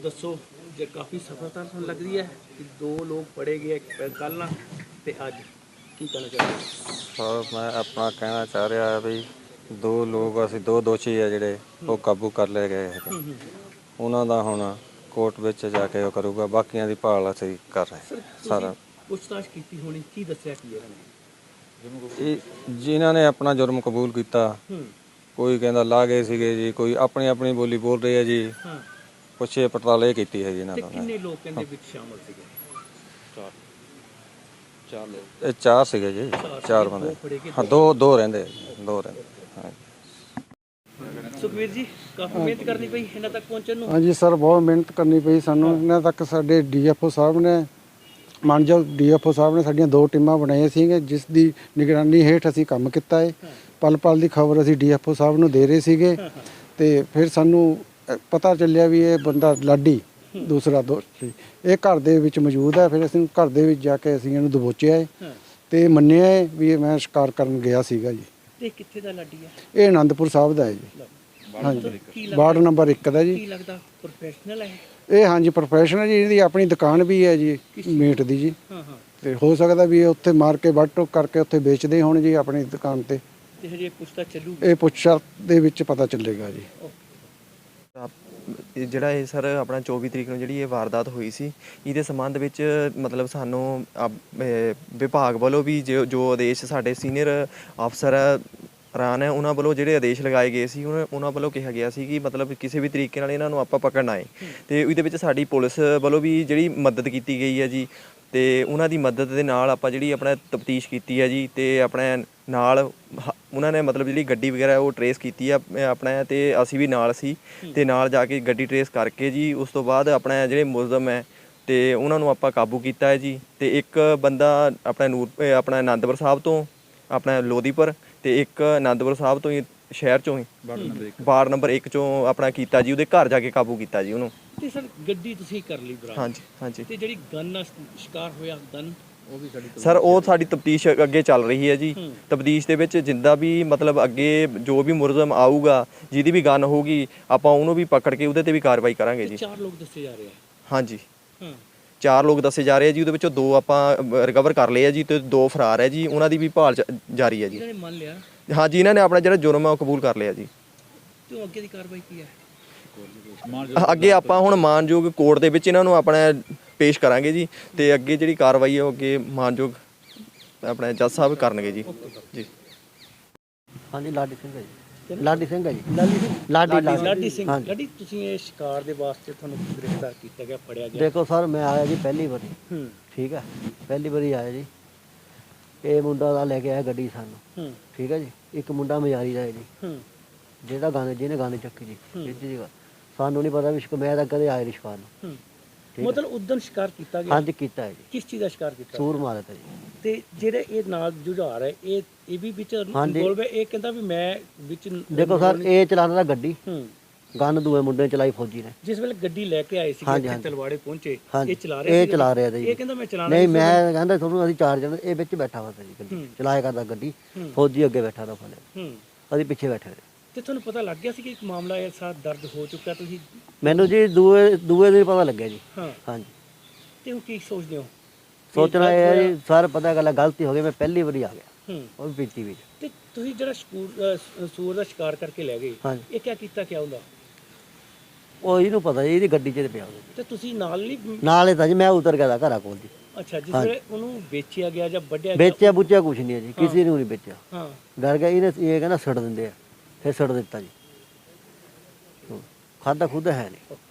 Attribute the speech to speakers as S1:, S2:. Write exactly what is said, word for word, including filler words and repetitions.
S1: ਦੱਸੋ ਜੇ ਕਾਫੀ ਸਫਲਤਾ ਤੁਹਾਨੂੰ ਲੱਗ ਰਹੀ ਹੈ ਕਿ ਦੋ ਲੋਕ ਫੜੇ ਗਏ ਕੱਲ੍ਹ ਨਾ ਤੇ ਅੱਜ, ਕੀ ਕਹਿਣਾ ਚਾਹੁੰਦੇ?
S2: ਸਰ ਮੈਂ ਆਪਣਾ ਕਹਿਣਾ ਚਾਹ ਰਿਹਾ ਹੈ ਵੀ ਦੋ ਲੋਕ ਅਸੀਂ ਦੋ ਦੋਸ਼ੀ ਆ ਜਿਹੜੇ ਉਹ ਕਾਬੂ ਕਰ ਲਏ ਗਏ ਹੈਗੇ। ਉਹਨਾਂ ਦਾ ਹੁਣ ਕੋਰਟ ਵਿੱਚ ਜਾ ਕੇ ਉਹ ਕਰੂਗਾ, ਬਾਕੀਆਂ ਦੀ ਭਾਲ ਅਸੀਂ ਕਰ ਰਹੇ
S1: ਸਰ ਤੁਸੀਂ
S2: ਸਾਰਾ।
S1: ਪੁੱਛਤਾਛ ਕੀਤੀ ਹੋਣੀ, ਕੀ ਦੱਸਿਆ ਕੀ ਇਹਨਾਂ ਨੇ?
S2: ਇਹ ਜਿਨ੍ਹਾਂ ਨੇ ਆਪਣਾ ਜੁਰਮ ਕਬੂਲ ਕੀਤਾ,
S1: ਹੂੰ
S2: ਕੋਈ ਕਹਿੰਦਾ ਲਾ ਗਏ ਸੀਗੇ ਜੀ, ਕੋਈ ਆਪਣੀ ਆਪਣੀ ਬੋਲੀ ਬੋਲ ਰਹੇ ਆ ਜੀ।
S1: ਹਾਂ
S2: ਪੁੱਛੇ ਪੜਤਾਲ ਇਹ ਕੀਤੀ ਹੈ ਜੀ ਇਹਨਾਂ
S1: ਤੇ
S2: ਦਾ।
S1: ਕਿੰਨੇ ਲੋਕ ਕਹਿੰਦੇ ਵਿੱਚ ਸ਼ਾਮਲ ਸੀਗੇ?
S2: ਚਾਰ ਲੋਕ, ਇਹ ਚਾਰ ਸੀਗੇ ਜੀ, ਚਾਰ ਬੰਦੇ।
S1: ਦੋ ਫੜੇ ਗਏ,
S2: ਹਾਂ ਦੋ ਦੋ ਰਹਿੰਦੇ ਆ ਜੀ, ਦੋ ਰਹਿੰਦੇ। ਹਾਂ
S1: ਸੁਖਵੀਰ ਜੀ, ਕਾਫੀ ਮਿਹਨਤ ਕਰਨੀ ਪਈ ਇਹਨਾਂ ਤੱਕ ਪਹੁੰਚਣ ਨੂੰ।
S3: ਹਾਂਜੀ ਸਰ, ਬਹੁਤ ਮਿਹਨਤ ਕਰਨੀ ਪਈ ਸਾਨੂੰ ਇਹਨਾਂ ਤੱਕ। ਸਾਡੇ ਡੀਐਫਓ ਸਾਹਿਬ ਨੇ, ਮਾਨਯੋਗ ਡੀਐਫਓ ਸਾਹਿਬ ਨੇ ਸਾਡੀਆਂ ਦੋ ਟੀਮਾਂ ਬਣਾਈਆਂ ਸੀਗੀਆਂ, ਜਿਸ ਦੀ ਨਿਗਰਾਨੀ ਹੇਠ ਅਸੀਂ ਕੰਮ ਕੀਤਾ ਹੈ। ਪਲ ਪਲ ਦੀ ਖਬਰ ਅਸੀਂ ਡੀਐਫਓ ਸਾਹਿਬ ਨੂੰ ਦੇ ਰਹੇ ਸੀਗੇ ਤੇ ਫਿਰ ਸਾਨੂੰ ਪਤਾ ਚੱਲਿਆ ਵੀ ਇਹ ਬੰਦਾ ਲਾਡੀ ਦੂਸਰਾ ਦੋਸ਼ੀ ਇਹ ਘਰ ਦੇ ਵਿੱਚ ਮੌਜੂਦ ਹੈ। ਫਿਰ ਅਸੀਂ ਘਰ ਦੇ ਵਿੱਚ ਜਾ ਕੇ ਅਸੀਂ ਇਹਨੂੰ ਦਬੋਚਿਆ ਹੈ ਤੇ ਮੰਨਿਆ ਹੈ ਵੀ ਇਹ ਮੈਂ ਸ਼ਿਕਾਰ ਕਰਨ ਗਿਆ ਸੀਗਾ ਜੀ।
S1: ਤੇ ਕਿੱਥੇ ਦਾ ਲਾਡੀ ਹੈ?
S3: ਇਹ ਆਨੰਦਪੁਰ ਸਾਹਿਬ ਦਾ ਹੈ ਜੀ। ਹਾਂਜੀ, ਵਾਰਡ ਨੰਬਰ ਇੱਕ ਦਾ ਜੀ।
S1: ਕੀ ਲੱਗਦਾ ਪ੍ਰੋਫੈਸ਼ਨਲ ਹੈ
S3: ਇਹ? ਹਾਂਜੀ ਪ੍ਰੋਫੈਸ਼ਨਲ ਜੀ, ਇਹਦੀ ਆਪਣੀ ਦੁਕਾਨ ਵੀ ਹੈ ਜੀ ਮੀਟ ਦੀ ਜੀ।
S1: ਹਾਂ ਹਾਂ
S3: ਤੇ ਹੋ ਸਕਦਾ ਵੀ ਇਹ ਉੱਥੇ ਮਾਰ ਕੇ ਵੱਢ ਟੋਕ ਕਰਕੇ ਉੱਥੇ ਵੇਚਦੇ ਹੋਣ ਜੀ ਆਪਣੀ ਦੁਕਾਨ ਤੇ।
S1: ਤੇ ਹਜੇ ਪੁੱਛਤਾ ਚੱਲੂ?
S3: ਇਹ ਪੁੱਛਾ ਦੇ ਵਿੱਚ ਪਤਾ ਚੱਲੇਗਾ ਜੀ।
S4: ਇਹ ਜਿਹੜਾ ਇਹ ਸਰ ਆਪਣਾ ਚੌਵੀ ਤਰੀਕ ਨੂੰ ਜਿਹੜੀ ਇਹ ਵਾਰਦਾਤ ਹੋਈ ਸੀ, ਇਹਦੇ ਸੰਬੰਧ ਵਿੱਚ ਮਤਲਬ ਸਾਨੂੰ ਵਿਭਾਗ ਵੱਲੋਂ ਵੀ ਜੋ ਜੋ ਆਦੇਸ਼ ਸਾਡੇ ਸੀਨੀਅਰ ਅਫਸਰ ਰਾਨ ਹੈ ਉਹਨਾਂ ਵੱਲੋਂ ਜਿਹੜੇ ਆਦੇਸ਼ ਲਗਾਏ ਗਏ ਸੀ, ਉਹਨਾਂ ਉਹਨਾਂ ਵੱਲੋਂ ਕਿਹਾ ਗਿਆ ਸੀ ਕਿ ਮਤਲਬ ਕਿਸੇ ਵੀ ਤਰੀਕੇ ਨਾਲ ਇਹਨਾਂ ਨੂੰ ਆਪਾਂ ਪਕੜਨਾ ਹੈ। ਤੇ ਇਹਦੇ ਵਿੱਚ ਸਾਡੀ ਪੁਲਿਸ ਵੱਲੋਂ ਵੀ ਜਿਹੜੀ ਮਦਦ ਕੀਤੀ ਗਈ ਹੈ ਜੀ, ਤੇ ਉਹਨਾਂ ਦੀ ਮਦਦ ਦੇ ਨਾਲ ਆਪਾਂ ਜਿਹੜੀ ਆਪਣਾ ਤਫਤੀਸ਼ ਕੀਤੀ ਹੈ ਜੀ। ਤੇ ਆਪਣੇ ਨਾਲ ਉਹਨਾਂ ਨੇ ਮਤਲਬ ਜਿਹੜੀ ਗੱਡੀ ਵਗੈਰਾ ਉਹ ਟਰੇਸ ਕੀਤੀ ਆ ਆਪਣਾ, ਤੇ ਅਸੀਂ ਵੀ ਨਾਲ ਸੀ ਤੇ ਨਾਲ ਜਾ ਕੇ ਗੱਡੀ ਟਰੇਸ ਕਰਕੇ ਜੀ ਉਸ ਤੋਂ ਬਾਅਦ ਆਪਣਾ ਜਿਹੜੇ ਮੁਲਜ਼ਮ ਹੈ ਤੇ ਉਹਨਾਂ ਨੂੰ ਆਪਾਂ ਕਾਬੂ ਕੀਤਾ ਹੈ ਜੀ। ਤੇ ਇੱਕ ਬੰਦਾ ਆਪਣਾ ਨੂਰ ਆਪਣਾ ਆਨੰਦਪੁਰ ਸਾਹਿਬ ਤੋਂ ਆਪਣਾ ਲੋਧੀਪੁਰ, ਤੇ ਇੱਕ ਆਨੰਦਪੁਰ ਸਾਹਿਬ ਤੋਂ ਹੀ ਸ਼ਹਿਰ ਚੋਂ ਹੀ ਵਾਰਡ ਨੰਬਰ ਇੱਕ ਚੋਂ ਆਪਣਾ ਕੀਤਾ ਜੀ। ਉਹਦੇ ਘਰ ਜਾ ਕੇ ਕਾਬੂ ਕੀਤਾ ਜੀ ਉਹਨੂੰ।
S1: ਤੇ ਸਰ ਗੱਡੀ ਤੁਸੀਂ ਕਰ ਲਈ ਬਰਾਬਰ?
S4: ਹਾਂਜੀ ਹਾਂਜੀ।
S1: ਤੇ ਜਿਹੜੀ ਗਨ ਨਾਲ ਸ਼ਿਕਾਰ ਹੋਇਆ ਗਨ, ਉਹ ਵੀ ਸਾਡੀ
S4: ਸਰ ਉਹ ਸਾਡੀ ਤਫਤੀਸ਼ ਅੱਗੇ ਚੱਲ ਰਹੀ ਹੈ ਜੀ। ਤਫਤੀਸ਼ ਦੇ ਵਿੱਚ ਜਿੰਦਾ ਵੀ ਮਤਲਬ ਅੱਗੇ ਜੋ ਵੀ ਮੁਲਜ਼ਮ ਆਊਗਾ, ਜਿਹਦੀ ਵੀ ਗਨ ਹੋਊਗੀ, ਆਪਾਂ ਉਹਨੂੰ ਵੀ ਪਕੜ ਕੇ ਉਹਦੇ ਤੇ ਵੀ ਕਾਰਵਾਈ ਕਰਾਂਗੇ ਜੀ।
S1: ਚਾਰ ਲੋਕ ਦੱਸੇ ਜਾ ਰਹੇ ਆ?
S4: ਹਾਂਜੀ
S1: ਹਾਂ,
S4: ਚਾਰ ਲੋਕ ਦੱਸੇ ਜਾ ਰਹੇ ਆ ਜੀ। ਉਹਦੇ ਵਿੱਚੋਂ ਦੋ ਆਪਾਂ ਰਿਕਵਰ ਕਰ ਲਏ ਆ ਜੀ ਤੇ ਦੋ ਫਰਾਰ ਹੈ ਜੀ। ਉਹਨਾਂ ਦੀ ਵੀ ਭਾਲ ਜਾਰੀ ਹੈ ਜੀ।
S1: ਇਹਨਾਂ ਨੇ ਮੰਨ ਲਿਆ?
S4: ਹਾਂਜੀ, ਇਹਨਾਂ ਨੇ ਆਪਣਾ ਜਿਹੜਾ ਜੁਰਮ ਆ ਉਹ ਕਬੂਲ ਕਰ ਲਿਆ ਜੀ।
S1: ਤੇ ਅੱਗੇ ਦੀ ਕਾਰਵਾਈ ਕੀ ਹੈ?
S4: ਅੱਗੇ ਆਪਾਂ ਹੁਣ ਮਾਨਯੋਗ ਕੋਰਟ ਦੇ ਵਿੱਚ ਇਹਨਾਂ ਨੂੰ ਆਪਣਾ ਪੇਸ਼ ਕਰਾਂਗੇ ਜੀ। ਤੇ ਅੱਗੇ ਜਿਹੜੀ ਕਾਰਵਾਈ ਹੈ ਉਹ ਅੱਗੇ ਮਾਨਯੋਗ ਆਪਣੇ ਜੱਜ ਸਾਹਿਬ ਕਰਨਗੇ ਜੀ। ਜੀ
S5: ਹਾਂਜੀ, ਲਾਡੀ ਸਿੰਘ ਹੈ ਜੀ। ਲਾਡੀ ਸਿੰਘ ਹੈ ਜੀ।
S1: ਲਾਡੀ ਸਿੰਘ?
S5: ਲਾਡੀ
S1: ਲਾਡੀ ਸਿੰਘ।
S5: ਹਾਂਜੀ।
S1: ਲਾਡੀ, ਤੁਸੀਂ ਇਹ ਸ਼ਿਕਾਰ ਦੇ ਵਾਸਤੇ ਤੁਹਾਨੂੰ ਗ੍ਰਿਫਤਾਰ ਕੀਤਾ ਗਿਆ, ਫੜਿਆ ਗਿਆ?
S5: ਦੇਖੋ ਸਰ, ਮੈਂ ਆਇਆ ਜੀ ਪਹਿਲੀ ਵਾਰੀ।
S1: ਹੂੰ
S5: ਠੀਕ ਹੈ, ਪਹਿਲੀ ਵਾਰੀ ਆਇਆ ਜੀ। ਇਹ ਮੁੰਡਾ ਦਾ ਲੈ ਕੇ ਆਇਆ ਗੱਡੀ ਸਾਨੂੰ।
S1: ਹੂੰ
S5: ਠੀਕ ਹੈ ਜੀ। ਇੱਕ ਮੁੰਡਾ ਮਜਾਰੀ ਦਾ ਹੈ ਜੀ,
S1: ਹੂੰ
S5: ਜਿਹੜਾ ਗਾਣੇ ਜਿਹਨੇ ਗਾਣੇ ਚੱਕੀ ਜੀ। ਇਹ ਜੀ ਗੱਲ ਸਾਨੂੰ ਨਹੀਂ ਪਤਾ ਵੀ ਸ਼ਿਕ ਮੈਂ ਤਾਂ ਕਦੇ ਆਇਆ ਨਹੀਂ ਸ਼ਿਕਾਰ ਨੂੰ।
S1: ਹੂੰ
S5: ਠੀਕ
S1: ਮਤਲਬ ਉਦੋਂ ਸ਼ਿਕਾਰ ਕੀਤਾ ਗਿਆ?
S5: ਹਾਂਜੀ ਕੀਤਾ ਹੈ ਜੀ।
S1: ਕਿਸ ਚੀਜ਼ ਦਾ ਸ਼ਿਕਾਰ ਕੀਤਾ?
S5: ਸੂਰ ਮਾਰਿਆ ਤਾ ਜੀ।
S1: ਤੇ ਜਿਹੜੇ ਇਹ ਨਾਲ ਜੁਝਾਰ ਹੈ, ਇਹ ਇਹ ਵੀ ਵਿੱਚ
S5: ਹਾਂਜੀ।
S1: ਇਨਵੋਲਵ ਹੈ? ਇਹ ਕਹਿੰਦਾ ਵੀ ਮੈਂ ਵਿੱਚ
S5: ਦੇਖੋ ਸਰ, ਇਹ ਚਲਾਉਂਦਾ ਤਾ ਗੱਡੀ,
S1: ਹੂੰ
S5: ਗਨ ਦੂਏ ਮੁੰਡੇ ਨੇ ਚਲਾਈ ਫੌਜੀ ਨੇ।
S1: ਜਿਸ ਵੇਲੇ ਗੱਡੀ ਲੈ ਕੇ ਆਏ ਸੀ
S5: ਹਾਂਜੀ,
S1: ਇੱਥੇ
S5: ਹਾਂਜੀ।
S1: ਤਲਵਾੜੇ ਪਹੁੰਚੇ,
S5: ਹਾਂਜੀ,
S1: ਇਹ ਚਲਾ ਰਿਹਾ
S5: ਇਹ
S1: ਸੀ?
S5: ਚਲਾ ਰਿਹਾ ਤਾ ਜੀ।
S1: ਇਹ ਕਹਿੰਦਾ ਮੈਂ ਚਲਾਣਾ
S5: ਨਹੀਂ, ਮੈਂ ਕਹਿੰਦਾ ਤੁਹਾਨੂੰ ਅਸੀਂ ਚਾਰ ਜਣੇ, ਇਹ ਵਿੱਚ ਬੈਠਾ ਵਾ ਤਾ ਜੀ ਗੱਡੀ
S1: ਹੂੰ।
S5: ਚਲਾਇਆ ਕਰਦਾ ਗੱਡੀ।
S1: ਹੂੰ।
S5: ਫੌਜੀ ਅੱਗੇ ਬੈਠਾ ਤਾ ਫਲੇ,
S1: ਹੂੰ
S5: ਅਸੀਂ ਪਿੱਛੇ ਬੈਠੇ ਰਹੇ।
S1: ਤੇ ਤੁਹਾਨੂੰ ਪਤਾ ਲੱਗ ਗਿਆ ਸੀ ਕਿ ਇੱਕ ਮਾਮਲਾ ਇਹ ਸਾਥ ਦਰਜ ਹੋ ਚੁੱਕਾ? ਤੁਸੀਂ
S5: ਮੈਨੂੰ ਜੀ ਦੂਏ ਦੂਏ ਦਿਨ ਪਤਾ ਲੱਗਿਆ ਜੀ।
S1: ਹਾਂ,
S5: ਹਾਂਜੀ,
S1: ਤੇ ਹੁਣ ਕੀ ਸੋਚਦੇ ਹੋ?
S5: ਸੋਚਣਾ ਇਹ ਹੈ ਜੀ ਸਰ, ਪਤਾ ਗੱਲ ਗਲਤੀ ਹੋ ਗਈ, ਮੈਂ ਪਹਿਲੀ ਵਾਰੀ ਆ ਗਿਆ,
S1: ਹੂੰ
S5: ਉਹ ਵੀ ਪੀਤੀ ਵਿੱਚ।
S1: ਤੇ ਤੁਸੀਂ ਜਿਹੜਾ ਸਕੂਰ ਅਹ ਸੂਰ ਦਾ ਸ਼ਿਕਾਰ ਕਰਕੇ ਲੈ ਗਏ,
S5: ਹਾਂਜੀ,
S1: ਇਹ ਕਿਆ ਕੀਤਾ ਕਿਆ ਹੁੰਦਾ?
S5: ਉਹ ਇਹਨੂੰ ਪਤਾ ਜੀ, ਇਹਦੀ ਗੱਡੀ 'ਚ ਤੇ ਪਿਆ ਉਹਦੇ
S1: ਤੇ ਤੁਸੀਂ ਨਾਲ ਨਹੀਂ?
S5: ਨਾਲ ਹੀ ਤਾਂ ਜੀ, ਮੈਂ ਉਤਰ ਗਿਆ ਤਾ ਘਰਾਂ ਕੋਲ ਜੀ।
S1: ਅੱਛਾ, ਜਿਸ
S5: ਹਾਂਜੀ।
S1: ਵੇਲੇ ਉਹਨੂੰ ਵੇਚਿਆ ਗਿਆ ਜਾਂ ਵੱਢਿਆ ਗਿਆ?
S5: ਵੇਚਿਆ ਬੁੱਚਿਆ ਕੁਛ ਨਹੀਂ ਹੈ ਜੀ, ਕਿਸੇ ਨੂੰ ਨਹੀਂ ਵੇਚਿਆ।
S1: ਹਾਂ,
S5: ਡਰ ਗਿਆ ਇਹਨੇ, ਇਹ ਕਹਿੰਦਾ ਛੱਡ ਦਿੰਦੇ ਆ, ਫਿਰ ਛੱਡ ਦਿੱਤਾ ਜੀ। ਖਾਦਾ ਖੁਦ ਹੈ ਨਹੀਂ।